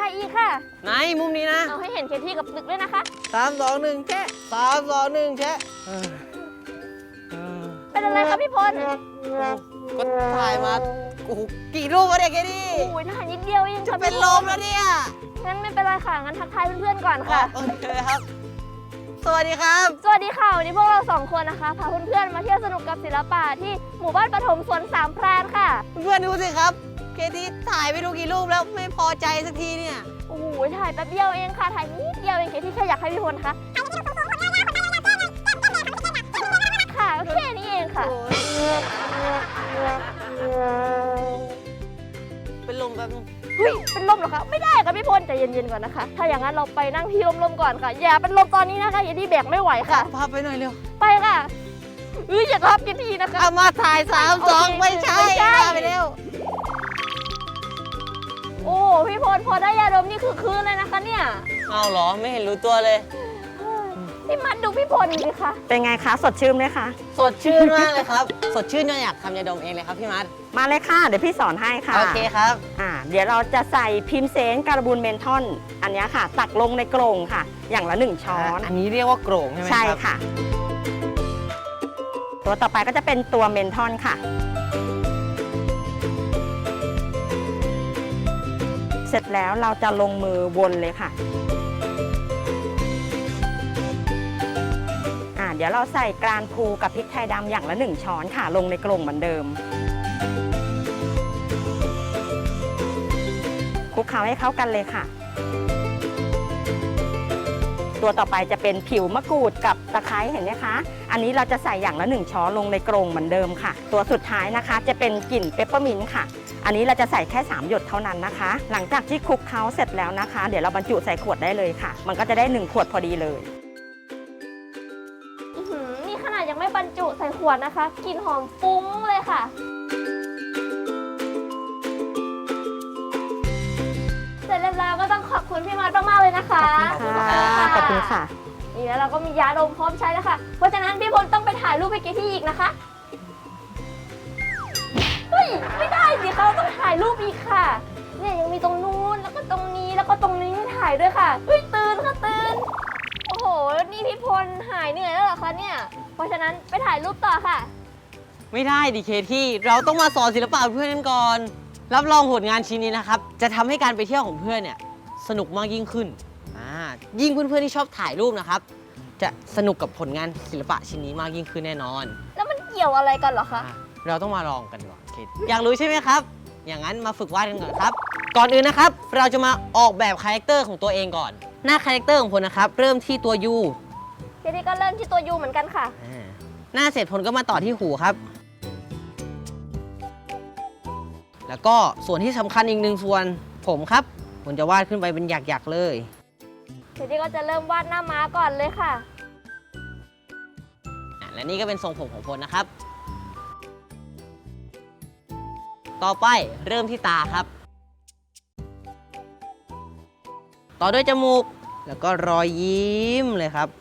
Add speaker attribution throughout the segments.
Speaker 1: อีกค่ะ
Speaker 2: ไหนมุมนี้นะ
Speaker 1: เอาให้เห็นเคที่กับตึกด้วยนะคะ
Speaker 2: 3 2 1แชะ3 2 1แชะ
Speaker 1: เป็นอะไรคะพี่พล
Speaker 2: ก็ถ่ายมาโอ้โหกี่รูปวะเนี่ยแกดิ
Speaker 1: โอ้ยถ่ายนิดเดียวเอง
Speaker 2: จะ
Speaker 1: ค่ะ
Speaker 2: เป็นลมแล้วเนี่ย
Speaker 1: งั้นไม่เป็นไรค่ะงั้นทักทายเพื่อนๆก่อนค่ะ
Speaker 2: โอเคครับ สวัสดีครับ
Speaker 1: สวัสดีค่ะวันนี้พวกเรา2คนนะคะพาเพื่อนๆมาเที่ยวสนุกกับศิลปะที่หมู่บ้านปฐมสวนสามพรานค่ะ
Speaker 2: เพื่อนดูสิครับเคที่ถ่ายไปดูกี่รูปแล้วไม่พอใจสักทีเนี่ย
Speaker 1: โอ้โหถ่ายแป๊บเดียวเองค่ะถ่ายนิดเดียวเองเคที่แค่อยากให้พี่พลคะค่ะก็แค่นี้เองค่ะ
Speaker 2: เป็นลมแบบ
Speaker 1: เฮ้ยเป็นลมเหรอคะไม่ได้ค่ะพี่พลใจเย็นๆก่อนนะคะถ้าอย่างนั้นเราไปนั่งที่ลมๆก่อนค่ะอย่าเป็นลมตอนนี้นะคะอย่าที่แบกไม่ไหวค่ะ
Speaker 2: พาไปหน่อยเร็ว
Speaker 1: ไปค่ะอย่าทับกันทีนะคะ
Speaker 2: เอามาถ่าย3 2ไม่ใช่ไปเร็ว
Speaker 1: โอ้พี่พลพอได้ยาดมนี่คือคืนเลยนะคะเนี่ย
Speaker 2: เอาเหรอไม่เห็นรู้ตัวเลย
Speaker 1: พี่มัดดูพี่พลสิคะ
Speaker 3: เป็นไงคะสดชื่นไหมคะ
Speaker 2: สดชื่นมากเลยครับสดชื่นจนอยากทำยาดมเองเลยครับพี่มัด
Speaker 3: มาเลยค่ะเดี๋ยวพี่สอนให้ค่ะ
Speaker 2: โอเคครับ
Speaker 3: เดี๋ยวเราจะใส่พิมเซนการบูนเมนทอนอันนี้ค่ะตักลงในโกร่งค่ะอย่างละ1ช้อน
Speaker 2: อันนี้เรียกว่าโกร่งใช่ไหมครับ
Speaker 3: ใช่ค่ะตัวต่อไปก็จะเป็นตัวเมนทอนค่ะเสร็จแล้วเราจะลงมือวนเลยค่ะเดี๋ยวเราใส่กรานพูกับพริกไทยดำอย่างละ1ช้อนค่ะลงในกล่องเหมือนเดิมคลุกเคล้าให้เข้ากันเลยค่ะตัวต่อไปจะเป็นผิวมะกรูดกับตะไคร้เห็นไหมคะอันนี้เราจะใส่อย่างละ1ช้อนลงในกล่องเหมือนเดิมค่ะตัวสุดท้ายนะคะจะเป็นกลิ่นเปปเปอร์มินต์ค่ะอันนี้เราจะใส่แค่3หยดเท่านั้นนะคะหลังจากที่คลุกเคล้าเสร็จแล้วนะคะเดี๋ยวเราบรรจุใส่ขวดได้เลยค่ะมันก็จะได้1ขวดพอดีเลย
Speaker 1: นี่ขนาดยังไม่บรรจุใส่ขวดนะคะกลิ่นหอมฟุ้งเลยค่ะเสร็จแล้วก็ต้องขอบคุณพี่มัดมากๆเลยนะคะ
Speaker 3: ขอบคุณค่ะ
Speaker 1: นี่แล้วเราก็มียาดมพร้อมใช้แล้วค่ะเพราะฉะนั้นพี่พลต้องไปถ่ายรูปให้เกที่อีกนะคะเฮ้ยไม่ได้สิเขาต้องถ่ายรูปอีกค่ะเนี่ยยังมีตรงนู้นแล้วก็ตรงนี้แล้วก็ตรงนี้ให้ถ่ายด้วยค่ะเฮ้ยตื่นค่ะตื่นโอ้โหนี่พี่พลหายเหนื่อยแล้วเหรอคะเนี่ยเพราะฉะนั้นไปถ่ายรูปต่อค่ะ
Speaker 2: ไม่ได้ดิเคที่เราต้องมาสอนศิลปะเพื่อนกันก่อนรับรองผลงานชิ้นนี้นะครับจะทำให้การไปเที่ยวของเพื่อนเนี่ยสนุกมากยิ่งขึ้นยิ่งเพื่อนๆที่ชอบถ่ายรูปนะครับจะสนุกกับผลงานศิลปะชิ้นนี้มากยิ่งขึ้นแน่นอน
Speaker 1: แล้วมันเกี่ยวอะไรกันเหรอคะ
Speaker 2: เราต้องมาลองกันก่อนอยากรู้ใช่ไหมครับอย่างนั้นมาฝึกวาดกันก่อนครับก่อนอื่นนะครับเราจะมาออกแบบคาแรคเตอร์ของตัวเองก่อนหน้าคาแรคเตอร์ของพลนะครับเริ่มที่ตัว U
Speaker 1: ทีนี้ก็เริ่มที่ตัว U เหมือนกันค่ะ
Speaker 2: หน้าเสร็จพลก็มาต่อที่หูครับแล้วก็ส่วนที่สำคัญอีก1ส่วนผมครับผมจะวาดขึ้นไปเป็นหยักๆเลย
Speaker 1: ทีนี้ก็จะเริ่มวาดหน้าม้าก่อนเลยค่ะ
Speaker 2: และนี่ก็เป็นทรงผมของพลนะครับต่อไปเริ่มที่ตาครับต่อด้วยจมูกแล้วก็รอยยิ้มเลยครับ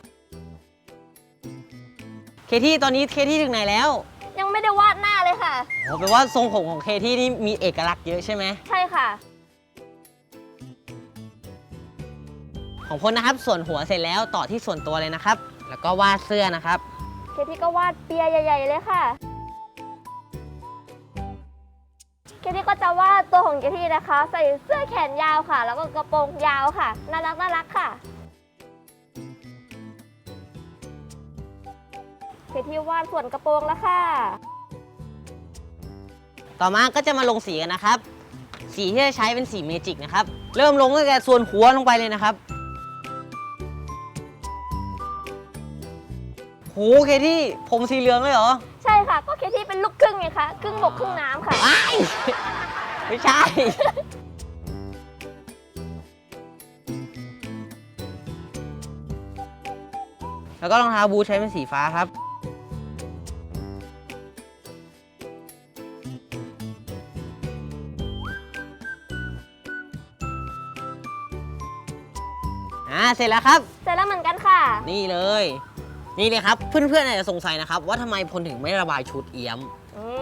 Speaker 2: เคที่ตอนนี้เคที่ถึงไหนแล้ว
Speaker 1: ยังไม่ได้วาดหน้าเลยค่ะ
Speaker 2: โอ้แปลว่าทรงผมของเคที่นี่มีเอกลักษณ์เยอะใช่ไหม
Speaker 1: ใช่ค่ะ
Speaker 2: ของพลนะครับส่วนหัวเสร็จแล้วต่อที่ส่วนตัวเลยนะครับแล้วก็วาดเสื้อนะครับ
Speaker 1: เคที่ก็วาดเปียใหญ่ๆเลยค่ะเคที่ก็จะวาดตัวของเคที่นะคะใส่เสื้อแขนยาวค่ะแล้วก็กระโปรงยาวค่ะน่ารักค่ะเคที่วาดส่วนกระโปรงแล้วค่ะ
Speaker 2: ต่อมาก็จะมาลงสีกันนะครับสีที่จะใช้เป็นสีเมจิกนะครับเริ่มลงตั้งแต่ส่วนหัวลงไปเลยนะครับโหเคที่ผมสีเหลืองเลยเหรอ
Speaker 1: ใช่ค่ะก็เคที่เป็นลูกครึ่งไงคะครึ่งบกครึ่งน้ำค่ะ
Speaker 2: ไม่ใช่แล้วก็รองเท้าบูทใช้เป็นสีฟ้าครับเสร็จแล้วครับ
Speaker 1: เสร็จแล้วเหมือนกันค่ะ
Speaker 2: นี่เลยครับเพื่อนๆอาจจะสงสัยนะครับว่าทำไมพลถึงไม่ระบายชุดเอี้ยม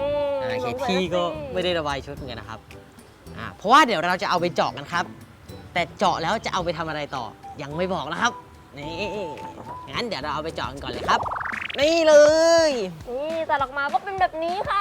Speaker 2: เคที่ก็ไม่ได้ระบายชุดเหมือนกันนะครับเพราะว่าเดี๋ยวเราจะเอาไปเจาะกันครับแต่เจาะแล้วจะเอาไปทำอะไรต่อ ยังไม่บอกนะครับ นี่งั้นเดี๋ยวเราเอาไปเจาะกันก่อนเลยครับ นี่เลย
Speaker 1: นี่แต่ออกมาก็เป็นแบบนี้ค่ะ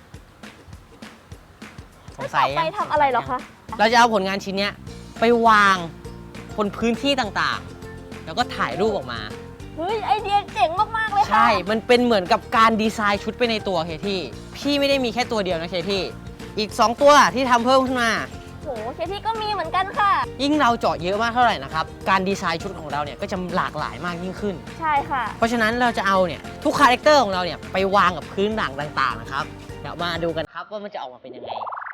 Speaker 2: สงสัย
Speaker 1: ต่อไปทำอะไรเหรอคะ
Speaker 2: เราจะเอาผลงานชิ้นเนี้ยไปวางบนพื้นที่ต่างๆ แล้วก็ถ่ายรูปออกมา
Speaker 1: เฮ้ยไอเดียเจ๋งมากๆเลยค่ะ
Speaker 2: ใช่ มันเป็นเหมือนกับการดีไซน์ชุดไปในตัวเคที่พี่ไม่ได้มีแค่ตัวเดียวนะเคที่อีก 2 ตัวที่ทำเพิ่มขึ้นมา
Speaker 1: โหเคที่ก็มีเหมือนกันค่ะ
Speaker 2: ยิ่งเราเจาะเยอะมากเท่าไหร่นะครับ การดีไซน์ชุดของเราเนี่ยก็จะหลากหลายมากยิ่งขึ้น
Speaker 1: ใช่ค่ะ
Speaker 2: เพราะฉะนั้นเราจะเอาเนี่ยทุกคาแรคเตอร์ของเราเนี่ยไปวางกับพื้นหลังต่างๆนะครับ เดี๋ยวมาดูกันครับว่ามันจะออกมาเป็นยังไง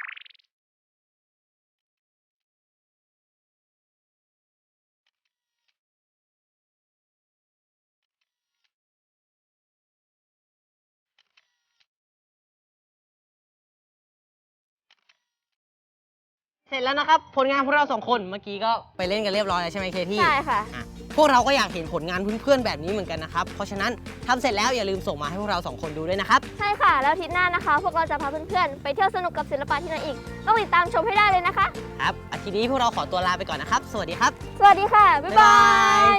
Speaker 2: เสร็จแล้วนะครับผลงานพวกเรา2 คนเมื่อกี้ก็ไปเล่นกันเรียบร้อยแล้วใช่ไหมเคที่
Speaker 1: ใช่ค่ะ
Speaker 2: อ่ะพวกเราก็อยากเห็นผลงานเพื่อนๆแบบนี้เหมือนกันนะครับ เพราะฉะนั้นทำเสร็จแล้วอย่าลืมส่งมาให้พวกเรา2 คนดูด้วยนะครับ
Speaker 1: ใช่ค่ะ แล้วอาทิตย์หน้านะคะ พวกเราจะพาเพื่อนๆ ไปเที่ยวสนุกกับศิลปะที่ไหนอีก ต้องติดตามชมให้ได้เลยนะคะ
Speaker 2: ครับอาทิตย์นี้พวกเราขอตัวลาไปก่อนนะครับ สวัสดีครับ
Speaker 1: สวัสดีค่ะ บ๊ายบาย